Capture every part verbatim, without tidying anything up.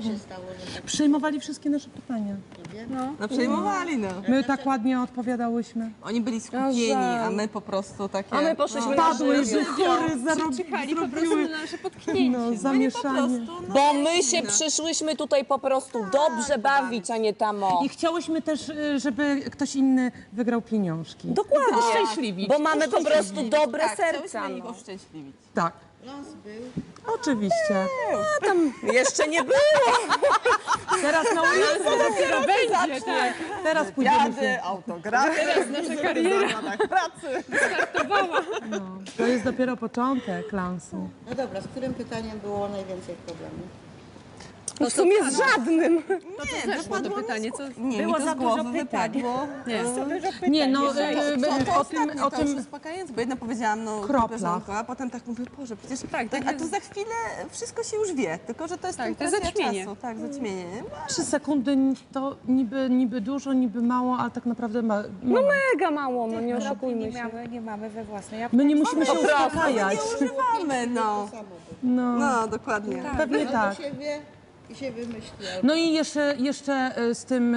się stało, że tak... Przyjmowali wszystkie nasze pytania. No, no przejmowali, no. My tak ładnie odpowiadałyśmy. Oni byli skupieni, a my po prostu takie... A my poszliśmy no, na Padły, że chory Czekali po prostu na nasze potknięcie. No, zamieszanie. no, Bo my się przyszłyśmy tutaj po prostu dobrze bawić, a nie tamo. I chciałyśmy też, y, żeby ktoś inny wygrał pieniążki. Dokładnie. Uszczęśliwić. Bo mamy po prostu dobre tak, serca. chciałyśmy ich No. uszczęśliwić. Tak, Los był. oczywiście. Jeszcze nie było. Teraz na ulicy Dopiero będzie, tak. teraz pójdziemy się. autografy. Teraz nasza kariera pracy. startowała. No, to jest dopiero początek lansu. No dobra, z którym pytaniem było najwięcej problemów? No w sumie z żadnym. Nie, Zeszło to pytanie, co... nie, Było mi to za z dużo głowy pytań. wypadło. Nie. Nie, no, To, y, to o tym, ostatnie, o to już tym uspokajające, bo jedno powiedziałam, no, Kroplach. piosenko, a potem tak mówię, Boże, przecież Tak, tak, tak a tu za chwilę wszystko się już wie, tylko że to jest Tak, tylko to jest kwestia zaćmienie. czasu. Tak, zaćmienie. nie? trzy sekundy to niby, niby dużo, niby mało, ale tak naprawdę ma, No mało. mega mało, no nie oszukujmy nie się. mamy, nie mamy we własnej My nie musimy się Po prostu. uspokajać. Nie używamy, no. No, No, dokładnie. pewnie Albo tak. się wie i się wymyśli. No i jeszcze, jeszcze y, z tym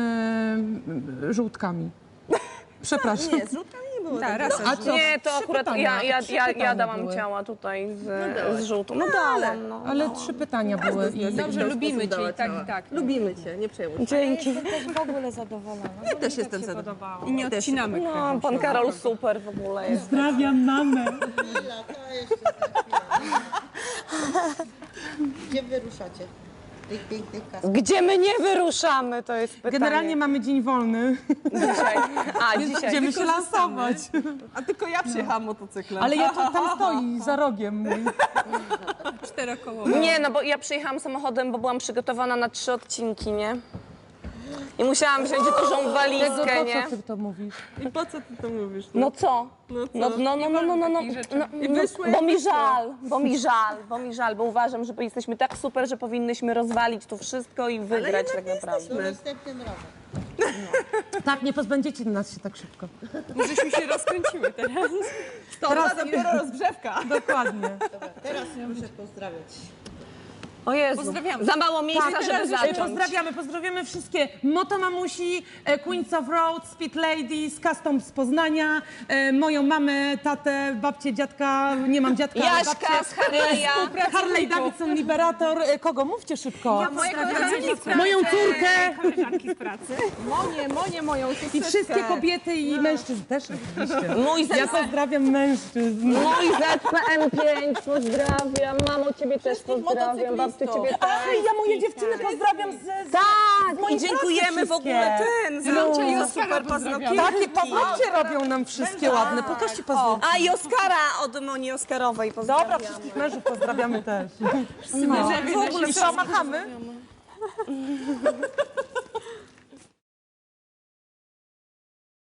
y, żółtkami. Przepraszam. Nie, z żółtkami nie było. Tak, tak. raz. A co? Nie, to Trzy akurat pytania, ja, ja, trzy ja, pytania ja dałam były. ciała tutaj z, z żółtą. No dałam, no. Ale trzy pytania były. I... Dobrze, lubimy cię i tak, i tak. Lubimy cię, nie przejmuj się. Dzięki. Jestem też w ogóle zadowolona. Ja też jestem zadowolona. podobało. I nie odcinamy No, kręgu. pan Karol super w ogóle jest. Pozdrawiam mamę. Chwila, to jeszcze za chwilę. Gdzie wyruszacie? Tych pięknych kaskach. Gdzie my nie wyruszamy, to jest pytanie. Generalnie mamy dzień wolny. dzisiaj. A, dzisiaj. Będziemy się lansować. A tylko ja przyjechałam motocyklem. Ale ja to, tam stoi za rogiem mój. Czterokołowe. Nie, no bo ja przyjechałam samochodem, bo byłam przygotowana na trzy odcinki, nie? I musiałam wziąć dużą Tego, walizkę, po nie? co ty to mówisz? I po co ty to mówisz? No co? No co? No, no, no, no, no, no, no, takich rzeczy. no, I no, wyszło, bo jak mi wyszło. żal, bo mi żal, bo mi żal, bo uważam, że jesteśmy tak super, że powinnyśmy rozwalić tu wszystko i wygrać tak naprawdę. Do następnym razem. Tak, nie pozbędziecie nas się tak szybko. Żeśmy się rozkręciły teraz. To teraz dopiero rozgrzewka. Dokładnie. Dobra, teraz muszę pozdrawiać. O Jezu, Pozdrawiamy. za mało miejsca, Tak, żeby teraz zacząć. pozdrawiamy, pozdrawiamy wszystkie motomamusi, e, Queens of Road, Speed Ladies, Custom z Poznania, e, moją mamę, tatę, babcię, dziadka, nie mam dziadka, ale Jaśka babcię, z Harley'a. Harley Davidson Liberator, e, kogo? Mówcie szybko. Moją Moją córkę koleżanki z pracy. Monie, Monie, moją i wszystkie kobiety i mężczyzn też oczywiście. Mój Ja Z, pozdrawiam mężczyzn. mój Z P M pięć, pozdrawiam. Mamo, ciebie też pozdrawiam. Babciu, ciebie też. Ach, ja moje dziewczyny pozdrawiam z, z Tak, i i dziękujemy w ogóle ten. Zrącza i Oskara pozdrawiamy. Takie paznokcie robią nam wszystkie ładne. Pokażcie paznokcie. A i Oskara od Moni Oskarowej pozdrawiam. Dobra, wszystkich mężów pozdrawiamy też. Mężewie W ogóle nasi co, machamy?